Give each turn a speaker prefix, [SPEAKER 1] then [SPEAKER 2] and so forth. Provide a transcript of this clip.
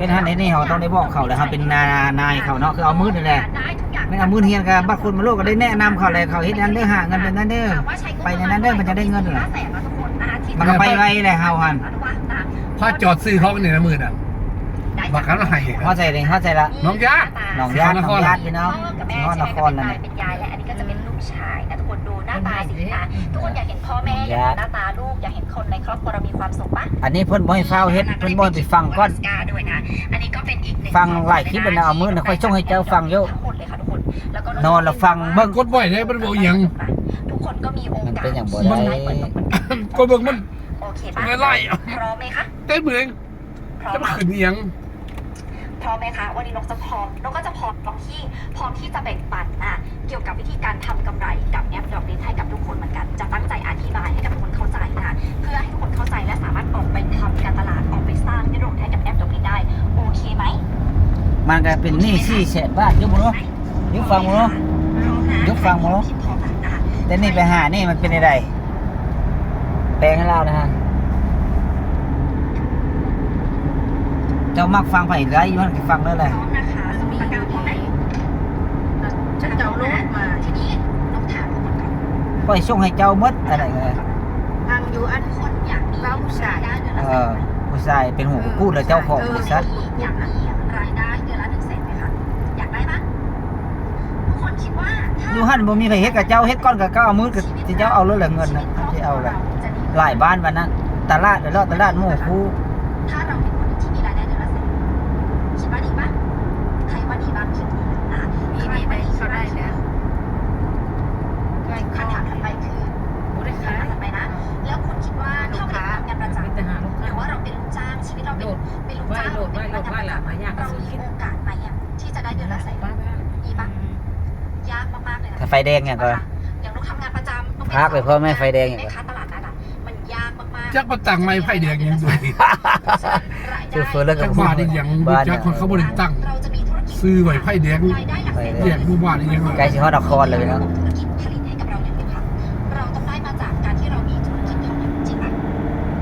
[SPEAKER 1] เป็นท่านนี่เขาต้องได้บอกเขาเลยครับเป็นนายเขาเนาะคือเอามือนี่แหละไม่เอามือเฮียนกับบางคนมาโลกก็ได้แนะนำเขาเลยเขาเฮ็ดนั้นเด้อหาเงินเป็นนั้นเด้อไปในนั้นเด้อมันจะได้เงินเหรอมันก็ไปไวเลยเฮาหัน
[SPEAKER 2] พอจอดซื้อเขาเนี่ยนะมือน่ะบักกันละให้
[SPEAKER 1] เข้าใจเลยเข้าใจละ
[SPEAKER 2] น้องยา
[SPEAKER 1] น้องญาติพี่น้อง
[SPEAKER 3] กับแม่
[SPEAKER 1] นครนครแล้ว
[SPEAKER 3] ใช่ไหม
[SPEAKER 1] เนี่ย
[SPEAKER 3] เป็นยายและอันนี้ก็จะเป็นลูกชายนะทุกคนดูหน้าตาสิคะทุกคนอยากเห็นพ่อแม่อยากเห็นหน้าตาลูกอยากเห็นคนในครอบครัวเรามีความสุขปะ
[SPEAKER 1] อันนี้เพิ่นบ่ให้ฟ้าวเฮ็ดเพิ่นบ่ให้ไปฟังก่อน
[SPEAKER 3] ด้วยนะอันนี้ก็เป็นอีกหนึ่ง
[SPEAKER 1] ฟังหลายคลิปแล้วนะเอามือนะค่อยส่งให้เจ้าฟังเยอะ
[SPEAKER 3] ทั้งหมดเลยค่ะทุกคนแล้วก็
[SPEAKER 1] นอนแล้วฟังเบิ่ง
[SPEAKER 2] กดบ่อยได้มันบอกอย่าง
[SPEAKER 3] ทุกคนก็มีโอกาส
[SPEAKER 1] มันเป็นอย่างบ่ได้
[SPEAKER 2] ก็เบิ่งมัน
[SPEAKER 3] โอเคปะ
[SPEAKER 2] ไม่ไล่
[SPEAKER 3] พร้อมไหมคะ
[SPEAKER 2] เต้นเหมือน
[SPEAKER 3] พร้อ
[SPEAKER 2] จะ
[SPEAKER 3] ม
[SPEAKER 2] มา
[SPEAKER 3] ไหม
[SPEAKER 2] ขึ้นเอียง
[SPEAKER 3] พร้อมไหมคะวันนี้นกจะพร้อมนกก็จะพร้อมที่จะแบ่งปันเกี่ยวกับวิธีการทำกำไรกับแอปดอกเบี้ยให้กับทุกคนเหมือนกันจะตั้งใจอธิบายให้กับทุกคนเข้าใจนะเพื่อให้ทุกคนเข้าใจและสามารถออกไปทำการตลาดออกไปสร้างยอดรวมให้กับแอปดอกเบี้ยได้โอเคไหม
[SPEAKER 1] มันก็เป็นหนี้400,000 บาทอยู่บ่เนาะยกฟังบ่เนาะ ยกฟังบ่เนาะ
[SPEAKER 3] พร้อมนะ
[SPEAKER 1] แต่นี่ไปหานี่มันเป็นอะไรแปลงให้เรานะฮะเจ้ามักฟังไผไรอยู่มันก็ฟังได้แหละ
[SPEAKER 3] พร้อมนะคะสมีการพร้อมไหมฉันจะเอารถมาทีนี้นกถามทุกคนก่อน
[SPEAKER 1] ค่อยส่งให้เจ้าหมดอะไรก็ได้
[SPEAKER 3] ทางอยู่อันคนอยากมีผู้ชายได้เดือนละ
[SPEAKER 1] ผู้ชายเป็นหูพูดแล้วเจ้าของบริษัท
[SPEAKER 3] อยากมีรายได้เดือนละ100,000ไหมคะอยากได้ปะทุกคนคิดว่าถ้า
[SPEAKER 1] อยู่หั่นบ่มีไผเฮ็ดกับเจ้าเฮ็ดก่อนกับเจ้าเอามือกับที่เจ้าเอาเลยแหละเงินนะที่เอาแหละหลายบ้านวันนั้นตลาดเดี๋ยวเราตลาดหมู่คู่
[SPEAKER 3] ถ้าเราเป็นคนที่มีรายได้เดือนละ100,000คิดว่าดีปะใครว่าดีบ้างคิดดีนะใครว่าดีเขาได้แล้วคำถามถัดไปคือคำถามถัดไปนะ แล้วคุณคิดว่าถ้าเราทำงานประจำหรือว่าเราเป็นลูกจ้างชีวิตเราเป็นลูกจ้างหรือเป็นพนักงานประจำเรามีโอกาสไหมที่จะได้เดือนละ100,000ดีปะยากมากๆเลยนะ
[SPEAKER 1] ถ้าไฟแดงเนี่ยก็
[SPEAKER 3] อย่างเราทำงานประจำต้อง
[SPEAKER 1] พักไปพ่อแม่ไฟแดงอย่าง
[SPEAKER 3] แม่
[SPEAKER 1] ก็
[SPEAKER 3] ค้าตลาดนัดมันยากมากๆ
[SPEAKER 2] จักมาตั้งไม้ไฟแดงยังด้วย
[SPEAKER 1] ซื้อเฟอร์แล้วก็
[SPEAKER 2] จักบ้านนี่ยังบ่จักคนเขาบ่ได้ตั้ง
[SPEAKER 3] เราจะมีธุรกิจ
[SPEAKER 2] ซื้อไว้ไฟแดง
[SPEAKER 3] รายได้หลักแสน
[SPEAKER 2] แยกหมู่บ้านนี่ยัง
[SPEAKER 1] ใกล้สิฮอดนครเลยเนาะ
[SPEAKER 3] ถ